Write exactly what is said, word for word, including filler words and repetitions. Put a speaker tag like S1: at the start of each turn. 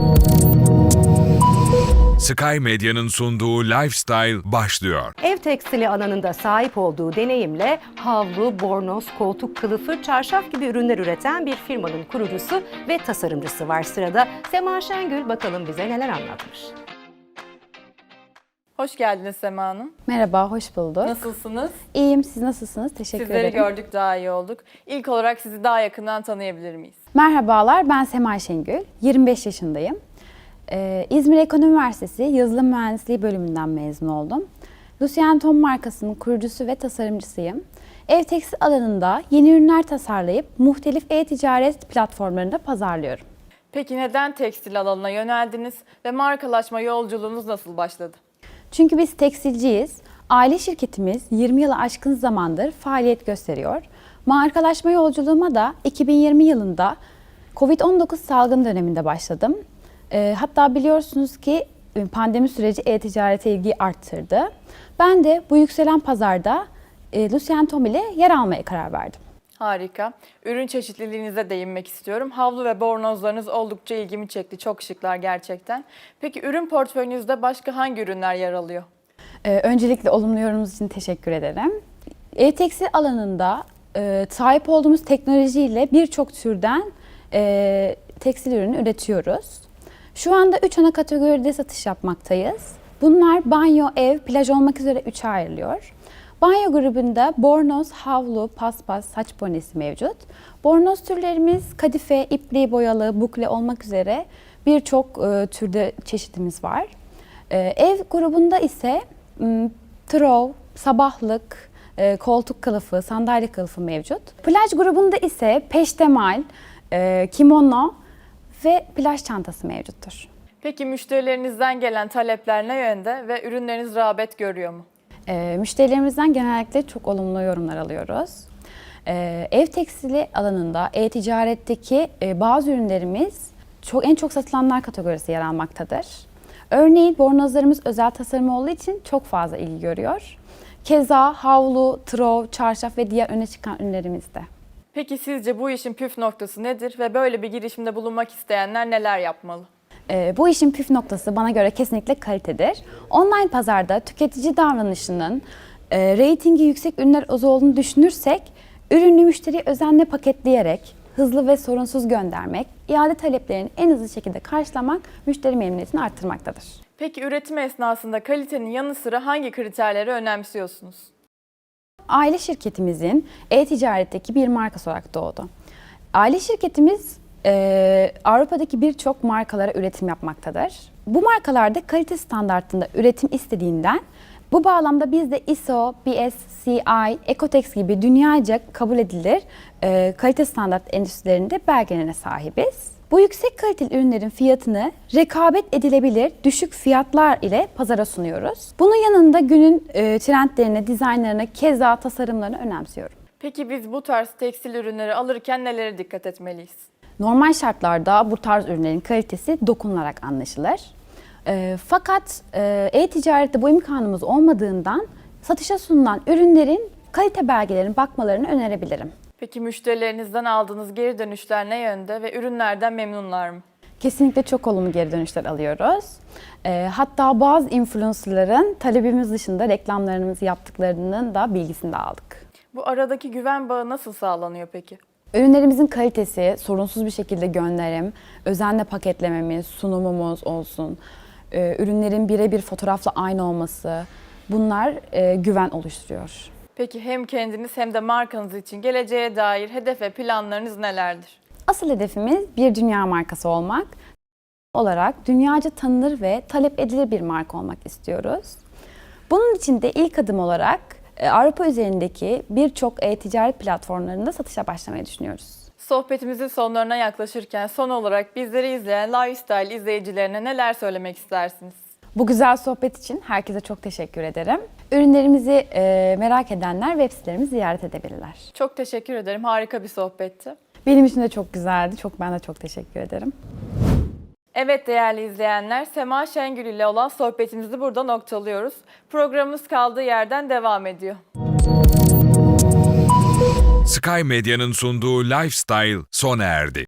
S1: Sky Medya'nın sunduğu Lifestyle başlıyor.
S2: Ev tekstili alanında sahip olduğu deneyimle havlu, bornoz, koltuk kılıfı, çarşaf gibi ürünler üreten bir firmanın kurucusu ve tasarımcısı var sırada. Sema Şengül bakalım bize neler anlatmış.
S3: Hoş geldiniz Sema Hanım.
S4: Merhaba, hoş bulduk.
S3: Nasılsınız?
S4: İyiyim, siz nasılsınız? Teşekkür
S3: Sizleri
S4: ederim.
S3: gördük, daha iyi olduk. İlk olarak sizi daha yakından tanıyabilir miyiz?
S4: Merhabalar, ben Sema Şengül, yirmi beş yaşındayım. Ee, İzmir Ekonomi Üniversitesi Yazılım Mühendisliği bölümünden mezun oldum. Lucien Tom markasının kurucusu ve tasarımcısıyım. Ev tekstil alanında yeni ürünler tasarlayıp muhtelif e-ticaret platformlarında pazarlıyorum.
S3: Peki neden tekstil alanına yöneldiniz ve markalaşma yolculuğunuz nasıl başladı?
S4: Çünkü biz tekstilciyiz. Aile şirketimiz yirmi yılı aşkın zamandır faaliyet gösteriyor. Markalaşma yolculuğuma da iki bin yirmi yılında kovid on dokuz salgın döneminde başladım. E, hatta biliyorsunuz ki pandemi süreci e-ticarete ilgiyi arttırdı. Ben de bu yükselen pazarda e, Lucien Tom ile yer almaya karar verdim.
S3: Harika. Ürün çeşitliliğinize değinmek istiyorum. Havlu ve bornozlarınız oldukça ilgimi çekti. Çok şıklar gerçekten. Peki ürün portföyünüzde başka hangi ürünler yer alıyor?
S4: Ee, öncelikle olumlu yorumunuz için teşekkür ederim. E-tekstil alanında e, sahip olduğumuz teknolojiyle birçok türden e, tekstil ürünü üretiyoruz. Şu anda üç ana kategoride satış yapmaktayız. Bunlar banyo, ev, plaj olmak üzere üçe ayrılıyor. Banyo grubunda bornoz, havlu, paspas, saç bonesi mevcut. Bornoz türlerimiz kadife, ipliği boyalı, bukle olmak üzere birçok e, türde çeşitimiz var. E, ev grubunda ise m, trov, sabahlık, e, koltuk kılıfı, sandalye kılıfı mevcut. Plaj grubunda ise peştemal, e, kimono ve plaj çantası mevcuttur.
S3: Peki müşterilerinizden gelen talepler ne yönde ve ürünleriniz rağbet görüyor mu?
S4: E, müşterilerimizden genellikle çok olumlu yorumlar alıyoruz. E, ev tekstili alanında e-ticaretteki e, bazı ürünlerimiz çok en çok satılanlar kategorisi yer almaktadır. Örneğin bornozlarımız özel tasarım olduğu için çok fazla ilgi görüyor. Keza havlu, trov, çarşaf ve diğer öne çıkan ürünlerimiz de.
S3: Peki sizce bu işin püf noktası nedir ve böyle bir girişimde bulunmak isteyenler neler yapmalı?
S4: Ee, bu işin püf noktası bana göre kesinlikle kalitedir. Online pazarda tüketici davranışının e, reytingi yüksek ürünler az olduğunu düşünürsek, ürünü müşteriye özenle paketleyerek, hızlı ve sorunsuz göndermek, iade taleplerini en hızlı şekilde karşılamak müşteri memnuniyetini arttırmaktadır.
S3: Peki üretim esnasında kalitenin yanı sıra hangi kriterleri önemsiyorsunuz?
S4: Aile şirketimizin e-ticaretteki bir markası olarak doğdu. Aile şirketimiz e, Avrupa'daki birçok markalara üretim yapmaktadır. Bu markalarda kalite standartında üretim istediğinden bu bağlamda biz de I S O, B S C I, Ecotex gibi dünyaca kabul edilir e, kalite standart endüstrilerinde belgelerine sahibiz. Bu yüksek kaliteli ürünlerin fiyatını rekabet edilebilir düşük fiyatlar ile pazara sunuyoruz. Bunun yanında günün e, trendlerine, dizaynlarına, keza tasarımlarına önemsiyorum.
S3: Peki biz bu tarz tekstil ürünleri alırken nelere dikkat etmeliyiz?
S4: Normal şartlarda bu tarz ürünlerin kalitesi dokunularak anlaşılır. E, fakat e, e-ticarette bu imkanımız olmadığından satışa sunulan ürünlerin kalite belgelerine bakmalarını önerebilirim.
S3: Peki müşterilerinizden aldığınız geri dönüşler ne yönde ve ürünlerden memnunlar mı?
S4: Kesinlikle çok olumlu geri dönüşler alıyoruz. E, hatta bazı influencerların talebimiz dışında reklamlarımızı yaptıklarının da bilgisini de aldık.
S3: Bu aradaki güven bağı nasıl sağlanıyor peki?
S4: Ürünlerimizin kalitesi, sorunsuz bir şekilde gönderim, özenle paketlememiz, sunumumuz olsun, e, ürünlerin birebir fotoğrafla aynı olması, bunlar e, güven oluşturuyor.
S3: Peki hem kendiniz hem de markanız için geleceğe dair hedef ve planlarınız nelerdir?
S4: Asıl hedefimiz bir dünya markası olmak. Olarak dünyaca tanınır ve talep edilir bir marka olmak istiyoruz. Bunun için de ilk adım olarak e, Avrupa üzerindeki birçok e-ticaret platformlarında satışa başlamayı düşünüyoruz.
S3: Sohbetimizin sonlarına yaklaşırken son olarak bizleri izleyen Lifestyle izleyicilerine neler söylemek istersiniz?
S4: Bu güzel sohbet için herkese çok teşekkür ederim. Ürünlerimizi e, merak edenler web sitelerimizi ziyaret edebilirler.
S3: Çok teşekkür ederim. Harika bir sohbetti.
S4: Benim için de çok güzeldi. Çok ben de çok teşekkür ederim.
S3: Evet değerli izleyenler, Sema Şengül ile olan sohbetimizi burada noktalıyoruz. Programımız kaldığı yerden devam ediyor.
S1: Sky Medya'nın sunduğu Lifestyle sona erdi.